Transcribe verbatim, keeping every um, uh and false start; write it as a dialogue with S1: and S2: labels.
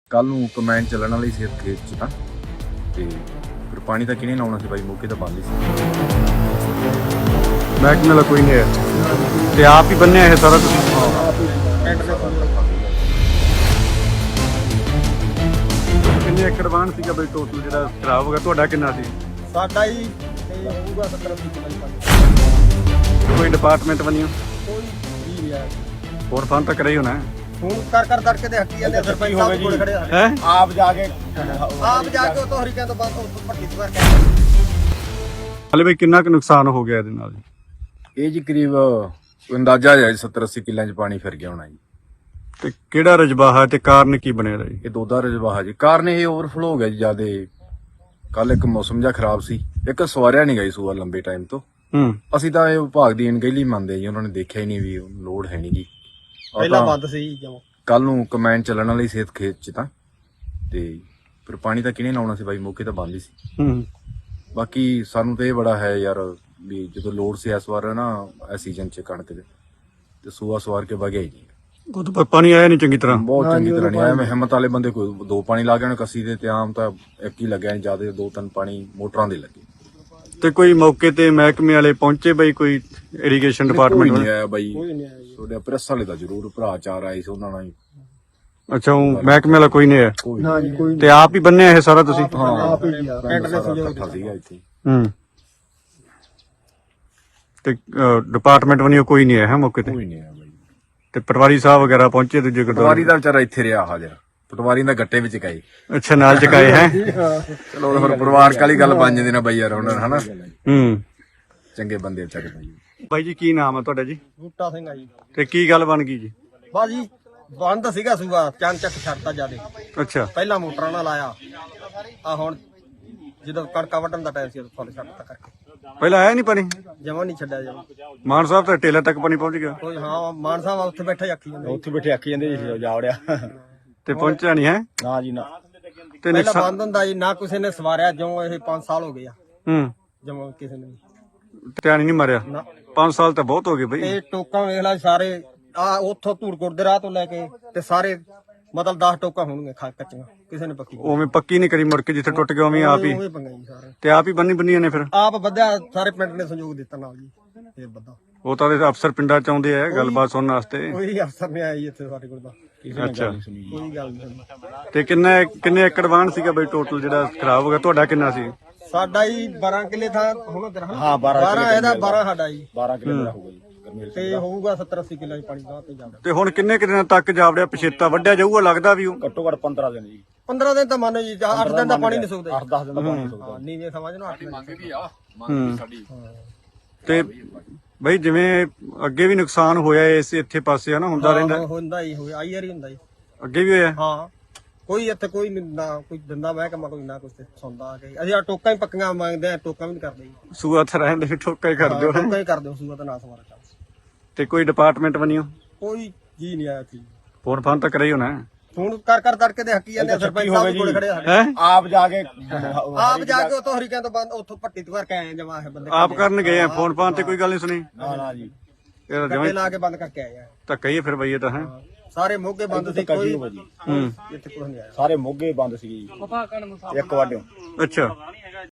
S1: ਕੱਲ ਨੂੰ ਕਮੈਨ ਚੱਲਣ ਵਾਲੀ ਸੀ ਖੇਤ 'ਚ ਤਾਂ ਤੇ ਫਿਰ ਪਾਣੀ ਤਾਂ ਕਿਹਨੇ ਲਾਉਣਾ ਸੀ ਬਾਈ, ਮੌਕੇ ਤਾਂ ਬੰਦ ਹੀ ਸੀ।
S2: ਮਹਿਕਮੇ ਵਾਲਾ ਕੋਈ ਨਹੀਂ ਹੈ ਤੇ ਆਪ ਹੀ ਬੰਨਿਆ ਇਹ ਸਾਰਾ ਤੁਸੀਂ? ਕਿੰਨੇ ਏਕੜ ਵਾਹਣ ਸੀਗਾ ਬਈ ਟੋਟਲ ਜਿਹੜਾ ਖਰਾਬ ਹੋ ਗਿਆ? ਤੁਹਾਡਾ ਕਿੰਨਾ ਸੀ?
S3: ਸਾਡਾ ਹੀ ਤੇ ਹੋਊਗਾ ਸੱਤਰ ਅੱਸੀ ਕਿੱਲੇ।
S2: ਕੋਈ ਡਿਪਾਰਟਮੈਂਟ ਬਣਿਓ?
S3: ਕੋਈ ਵੀ ਨਹੀਂ ਆ।
S2: ਹੋਰ ਫੰਡ ਤਾਂ ਕਰਿਆ ਹੀ ਹੋਣਾ
S3: ਹੁਣ ਕਰ ਕਰ ਤੜਕੇ ਦੇ ਹੱਕੀ ਜਾਂਦੇ ਸਰਪੰਚ ਸਾਹਿਬ ਕੋਲ ਖੜੇ ਆ।
S2: ਹੈ?
S3: ਆਪ ਜਾ ਕੇ ਆਪ ਜਾ ਕੇ ਉਤੋਂ ਹਰੀਕਾਂ ਤੋਂ ਬਾਅਦ ਉੱਥੋਂ ਭੱਟੀ ਤੋਂ ਕਰਕੇ
S2: ਹਲੇ ਬਈ ਕਿੰਨਾ ਕੁ ਨੁਕਸਾਨ ਹੋ ਗਿਆ ਇਹਦੇ ਨਾਲ ਜੀ?
S1: ਇਹ ਜੀ ਕਰੀਬ ਅੰਦਾਜ਼ਾ ਹੈ ਸੱਤਰ ਅੱਸੀ ਕਿੱਲਿਆਂ 'ਚ ਪਾਣੀ ਫਿਰ ਗਿਆ ਹੋਣਾ ਜੀ।
S2: ਤੇ ਕਿਹੜਾ ਰਜਬਾ ਹੈ ਤੇ ਕਾਰਨ ਕੀ ਬਣਿਆ ਜੀ?
S1: ਇਹ ਦੋਦਾ ਰਜਵਾਹਾ ਜੀ, ਕਾਰਨ ਇਹ ਓਵਰਫਲੋ ਹੋ ਗਿਆ ਜੀ ਜਿਆਦੇ। ਕੱਲ ਇੱਕ ਮੌਸਮ ਜਿਹਾ ਖਰਾਬ ਸੀ, ਇੱਕ ਸਵਾਰਿਆ ਨਹੀਂ ਗਈ ਸੂਆ ਲੰਬੇ ਟਾਈਮ ਤੋਂ।
S2: ਹੂੰ।
S1: ਅਸੀਂ ਤਾਂ ਇਹ ਵਿਭਾਗ ਦੀ ਅਣਗਹਿਲੀ ਮੰਨਦੇ ਜੀ, ਉਹਨਾਂ ਨੇ ਦੇਖਿਆ ਹੀ ਨਹੀਂ ਵੀ ਲੋੜ ਹੈ ਨਹੀਂ ਗੀ।
S3: ਪਹਿਲਾਂ ਬੰਦ ਸੀ ਜਮਾ।
S1: ਕੱਲ ਨੂੰ ਕਮੈਨ ਚੱਲਣ ਵਾਲੀ ਸੀ ਖੇਤ 'ਚ ਤਾਂ ਤੇ ਫਿਰ ਪਾਣੀ ਤਾਂ ਕਿਹਨੇ ਲਾਉਣਾ ਸੀ ਬਾਈ, ਮੌਕੇ ਤਾਂ ਬੰਦ ਹੀ ਸੀ।
S2: ਹੂੰ।
S1: ਬਾਕੀ ਸਾਨੂੰ ਤਾਂ ਇਹ ਬੜਾ ਹੈ ਯਾਰ ਵੀ ਜਦੋਂ ਲੋੜ ਸੀ ਇਸ ਵਾਰ ਨਾ ਇਸ ਸੀਜ਼ਨ 'ਚ ਕਣਕ ਦੇ ਤੇ ਸੂਆ ਸਵਾਰ ਕੇ ਵਗਿਆ ਹੀ ਨਹੀਂ।
S2: ਉਹ ਤਾਂ ਪਾਣੀ ਆਇਆ ਨਹੀਂ ਚੰਗੀ ਤਰ੍ਹਾਂ।
S1: ਬਹੁਤ ਚੰਗੀ ਤਰ੍ਹਾਂ ਨਹੀਂ ਆਇਆ। ਮੈਂ ਹਿੰਮਤ ਵਾਲੇ ਬੰਦੇ ਕੋਈ ਦੋ ਪਾਣੀ ਲਾ ਗਏ ਕੱਸੀ ਦੇ, ਤੇ ਆਮ ਤਾਂ ਇੱਕ ਹੀ ਲੱਗਿਆ, ਜਿਆਦਾ ਦੋ ਤਿੰਨ ਪਾਣੀ ਮੋਟਰਾਂ ਦੇ ਲੱਗੇ।
S2: ਤੇ ਕੋਈ ਮੌਕੇ ਤੇ ਮਹਿਕਮੇ ਵਾਲੇ ਪਹੁੰਚੇ ਬਈ? ਕੋਈ ਇਰੀਗੇਸ਼ਨ ਡਿਪਾਰਟਮੈਂਟ
S1: ਨਹੀਂ
S2: ਵਾਲੇ?
S1: ਆਇਆ ਬਾਈ।
S3: ਕੋਈ ਨਹੀਂ ਆਇਆ ਜੀ।
S1: ਤੁਹਾਡੇ ਪ੍ਰੈਸ ਵਾਲੇ ਦਾ ਜ਼ਰੂਰ ਭਰਾ ਚਾਰ ਆਏ ਸੀ, ਉਹਨਾਂ ਨਾਲ ਹੀ
S2: ਅੱਛਾ, ਉਹ ਮਹਿਕਮੇ ਵਾਲਾ ਕੋਈ ਨਹੀਂ ਹੈ
S1: ਕੋਈ
S3: ਨਾ ਜੀ ਕੋਈ
S2: ਤੇ ਆਪ ਹੀ ਬੰਨਿਆ ਇਹ ਸਾਰਾ ਤੁਸੀਂ?
S1: ਹਾਂ
S3: ਆਪ ਹੀ ਆ। ਪਿੰਡ ਦੇ ਸਹਿਯੋਗ
S1: ਇਕੱਠਾ ਸੀਗਾ ਇੱਥੇ।
S2: ਹੂੰ। ਤੇ ਡਿਪਾਰਟਮੈਂਟ ਬਣਿਓ ਕੋਈ ਨਹੀਂ ਹੈ ਮੌਕੇ ਤੇ?
S1: ਕੋਈ ਨਹੀਂ ਆਇਆ ਬਾਈ।
S2: ਤੇ ਪਟਵਾਰੀ ਸਾਹਿਬ ਵਗੈਰਾ ਪਹੁੰਚੇ ਦੂਜੇ
S1: ਪਟਵਾਰੀ
S2: ਗੁਰਦੁਆਰੇ?
S1: ਦਾ ਵਿਚਾਰਾ ਇੱਥੇ ਰਿਹਾ ਹਾਜ਼ਰ, ਪਟਵਾਰੀ ਦਾ ਗੱਟੇ ਵਿੱਚ ਗਏ।
S2: ਅੱਛਾ, ਨਾਲ ਚਕਾਏ ਹੈ?
S1: ਚਲੋ ਫਿਰ ਪਰਿਵਾਰਕ ਵਾਲੀ ਗੱਲ ਬਣ ਜਾਂਦੀ ਨਾ ਬਾਈ ਯਾਰ, ਉਹਨਾਂ ਹਨਾ
S2: ਹੂੰ।
S1: ਚੰਗੇ ਬੰਦੇ ਵਿਚਾਰੇ ਬਾਈ।
S2: ਬਾਈ ਜੀ ਕੀ ਨਾਮ ਹੈ ਤੁਹਾਡਾ ਜੀ?
S3: ਬੂਟਾ ਸਿੰਘ ਆ ਜੀ।
S2: ਤੇ ਕੀ ਗੱਲ ਬਣ ਗਈ ਜੀ?
S3: ਬਸ ਜੀ ਬੰਦ ਸੀਗਾ ਸੂਆ, ਚੰਨ ਚੱਕ ਛੱਡਤਾ ਜਿਆਦੇ।
S2: ਅੱਛਾ।
S3: ਪਹਿਲਾਂ ਮੋਟਰਾਂ ਨਾਲ ਲਾਇਆ ਆ, ਹੁਣ ਜਦੋਂ ਕਣਕਾਂ ਵੱਢਣ ਦਾ ਟਾਈਮ ਸੀ ਉਦੋਂ ਫੁੱਲ ਛੱਡਤਾ ਕਰਕੇ
S2: ਪਹਿਲਾਂ ਆਇਆ ਨਹੀਂ ਪਾਣੀ?
S3: ਜਮਾ ਨਹੀਂ ਛੱਡਿਆ ਜਮਾ।
S2: ਮਾਨ ਸਾਹਿਬ ਤਾਂ ਟੇਲਾ ਤੱਕ ਪਾਣੀ ਪਹੁੰਚ ਗਿਆ।
S3: ਕੋਈ ਹਾਂ ਮਾਨ ਸਾਹਿਬ ਉੱਥੇ ਬੈਠੇ ਆਖੀ ਜਾਂਦੇ।
S4: ਉੱਥੇ ਬੈਠੇ ਆਖੀ ਜਾਂਦੇ ਜੀ ਜਾਵੜਿਆ
S2: ਤੇ ਪਹੁੰਚਿਆ ਨਹੀਂ ਹੈ?
S4: ਨਾ ਜੀ ਨਾ।
S2: ਤੇ
S3: ਪਹਿਲਾਂ
S2: ਨੁਕਸਾਨ?
S3: ਬੰਦ ਹੁੰਦਾ ਜੀ, ਨਾ ਕਿਸੇ ਨੇ ਸਵਾਰਿਆ, ਜਿਉਂ ਇਹ ਪੰਜ ਸਾਲ ਹੋ ਗਏ ਆ
S2: ਹੂੰ।
S3: ਜਮਾ ਕਿਸੇ ਨੇ ਵੀ।
S2: ਧਿਆਨ ਹੀ ਨਹੀਂ ਮਾਰਿਆ?
S3: ਨਾ।
S2: ਪੰਜ ਸਾਲ ਤਾਂ ਬਹੁਤ ਹੋ ਗਏ ਬਈ।
S3: ਤੇ ਟੋਕਾਂ ਵੇਖ ਲੈ ਸਾਰੇ ਆ ਉੱਥੋਂ ਧੂੜਕੋਟ ਦੇ ਰਾਹ ਤੋਂ ਲੈ ਕੇ ਤੇ ਸਾਰੇ ਮਤਲਬ ਦਸ ਟੋਕਾਂ ਹੋਣਗੇ ਖਾ ਕੱਚੀਆਂ, ਕਿਸੇ ਨੇ ਪੱਕੀ
S2: ਉਵੇਂ ਪੱਕੀ ਨਹੀਂ ਕਰੀ, ਮੁੜ ਕੇ ਜਿੱਥੇ ਟੁੱਟ ਗਿਆ ਉਵੇਂ ਆਪ ਹੀ?
S3: ਉਵੇਂ ਪੰਗਾ ਜੀ ਸਾਰੇ।
S2: ਤੇ ਆਪ ਹੀ ਬੰਨੀ ਬੰਨੀਆਂ ਨੇ ਫਿਰ?
S3: ਆਪ ਵਧਿਆ, ਸਾਰੇ ਪਿੰਡ ਨੇ ਸਹਿਯੋਗ ਦਿੱਤਾ ਨਾਲ ਜੀ। ਇਹ ਬੱਦਾ
S2: ਉਹ ਤਾਂ ਇਹਦੇ ਅਫਸਰ ਪਿੰਡਾਂ ਚ ਆਉਂਦੇ ਆ ਗੱਲਬਾਤ ਸੁਣਨ ਵਾਸਤੇ।
S3: ਕੋਈ ਅਫਸਰ ਨਹੀਂ ਆਇਆ ਜੀ ਇੱਥੇ ਸਾਡੇ ਕੋਲ ਤਾਂ,
S2: ਅੱਛਾ।
S3: ਕੋਈ ਗੱਲ ਨਹੀਂ।
S2: ਤੇ ਕਿੰਨੇ ਕਿੰਨੇ ਏਕੜ ਵਾਹਣ ਸੀਗਾ ਬਈ ਟੋਟਲ ਜਿਹੜਾ ਖਰਾਬ ਹੋ ਗਿਆ? ਤੁਹਾਡਾ ਕਿੰਨਾ ਸੀ?
S3: ਸਾਡਾ ਹੀ ਬਾਰਾਂ ਕਿੱਲੇ ਥਾਂ ਹੋਣਾ ਤੇਰਾ?
S4: ਹਾਂ, ਬਾਰਾਂ
S3: ਬਾਰਾਂ ਇਹਦਾ ਬਾਰਾਂ ਸਾਡਾ ਜੀ।
S4: ਬਾਰਾਂ ਕਿਲੋ ਦਾ ਹੋਊਗਾ ਜੀ ਗਰਮੇਲ
S3: ਤੇ ਹੋਊਗਾ ਸੱਤਰ ਅੱਸੀ ਕਿੱਲੇ ਪਾਣੀ ਦਾ ਤੇ ਜਾਂਦਾ।
S2: ਤੇ ਹੁਣ ਕਿੰਨੇ ਕੁ ਦਿਨਾਂ ਤੱਕ ਜਾਵੜਿਆ ਪਛੇਤਾ ਵੱਢਿਆ ਜਾਊਗਾ ਲੱਗਦਾ ਵੀ ਉਹ?
S4: ਘੱਟੋ ਘੱਟ ਪੰਦਰਾਂ ਦਿਨ ਜੀ।
S3: ਪੰਦਰਾਂ ਦਿਨ ਤਾਂ ਮੰਨੋ ਜੀ, ਅੱਠ ਦਿਨ ਦਾ ਪਾਣੀ ਨਹੀਂ ਸੁੱਕਦਾ।
S4: ਅੱਠ ਦਸ ਦਿਨ ਦਾ ਪਾਣੀ ਸੁੱਕਦਾ।
S3: ਹਾਂ ਨੀਵੇਂ ਸਮਝ ਲਓ ਅੱਠ ਦਿਨ।
S2: ਹੂੰ। ਤੇ ਬਈ ਜਿਵੇਂ ਅੱਗੇ ਵੀ ਨੁਕਸਾਨ ਹੋਇਆ ਇਸ ਇੱਥੇ ਪਾਸੇ ਹਨਾ, ਹੁੰਦਾ ਰਹਿੰਦਾ?
S3: ਹਾਂ, ਹੁੰਦਾ ਹੀ ਹੋਇਆ, ਆਈ ਵਾਰੀ ਹੁੰਦਾ ਜੀ।
S2: ਅੱਗੇ ਵੀ ਹੋਇਆ?
S3: ਹਾਂ, ਕੋਈ ਇੱਥੇ ਕੋਈ ਨੀ, ਨਾ ਕੋਈ ਦਿੰਦਾ ਮਹਿਕਮਾ, ਕੋਈ ਨਾ ਕੁਛ ਤੇ ਸੁਣਦਾ ਆ ਕੇ। ਅਸੀਂ ਆ ਟੋਕਾਂ ਹੀ ਪੱਕੀਆਂ ਮੰਗਦੇ ਆ, ਟੋਕਾਂ ਵੀ ਨਹੀਂ ਕਰਦੇ ਜੀ।
S2: ਸੂਆ ਤਾਂ ਰਹਿੰਦੇ ਵੀ ਠੋਕਾ ਹੀ ਕਰ ਦਿਓ।
S3: ਟੋਕਾਂ ਹੀ ਕਰਦੇ ਹੋ ਸੂਆ ਤਾਂ ਨਾ ਸਵਾਰਾ ਚੱਲ।
S2: ਤੇ ਕੋਈ ਡਿਪਾਰਟਮੈਂਟ ਬਣਿਓ?
S3: ਕੋਈ ਜੀ ਨਹੀਂ ਆਇਆ ਸੀ।
S2: ਫੋਨ ਫਾਨ ਤਾਂ ਕਰਿਆ ਹੀ ਹੋਣਾ?
S3: ਹੁਣ ਕਰ ਕਰ ਤੜਕੇ ਦੇ ਹੱਕੀ ਜਾਂਦੇ ਸਰਪੰਚ ਸਾਹਿਬ ਕੋਲ ਖੜੇ ਆ।
S2: ਹੈ?
S4: ਆਪ ਜਾ ਕੇ
S3: ਆਪ ਜਾ ਕੇ ਉਤੋਂ ਹਰੀਕਾਂ ਤੋਂ ਬਾਅਦ ਉੱਥੋਂ ਭੱਟੀ ਤੋਂ ਕਰਕੇ ਆਏ ਜਮਾ ਇਹ ਬੰਦੇ।
S2: ਆਪ ਕਰਨ ਗਏ ਆ? ਫੋਨ ਫਾਨ ਤੇ ਕੋਈ ਗੱਲ ਨਹੀਂ ਸੁਣੀ?
S4: ਨਾ ਨਾ ਜੀ।
S2: ਇਹ
S3: ਕੱਟੇ ਲਾ ਕੇ ਬੰਦ ਕਰਕੇ ਆਏ ਆ।
S2: ਧੱਕਾ ਹੀ ਹੈ ਫਿਰ ਬਈ ਇਹ ਤਾਂ ਹੈ।
S3: ਸਾਰੇ ਮੋਗੇ ਬੰਦ ਸੀ, ਕੋਈ
S2: ਹੂੰ।
S3: ਇੱਥੇ ਕੁਝ ਨਹੀਂ ਆਇਆ।
S4: ਸਾਰੇ ਮੋਗੇ ਬੰਦ ਸੀ ਜੀ, ਇੱਕ ਵਾਢਿਓ।
S2: ਅੱਛਾ।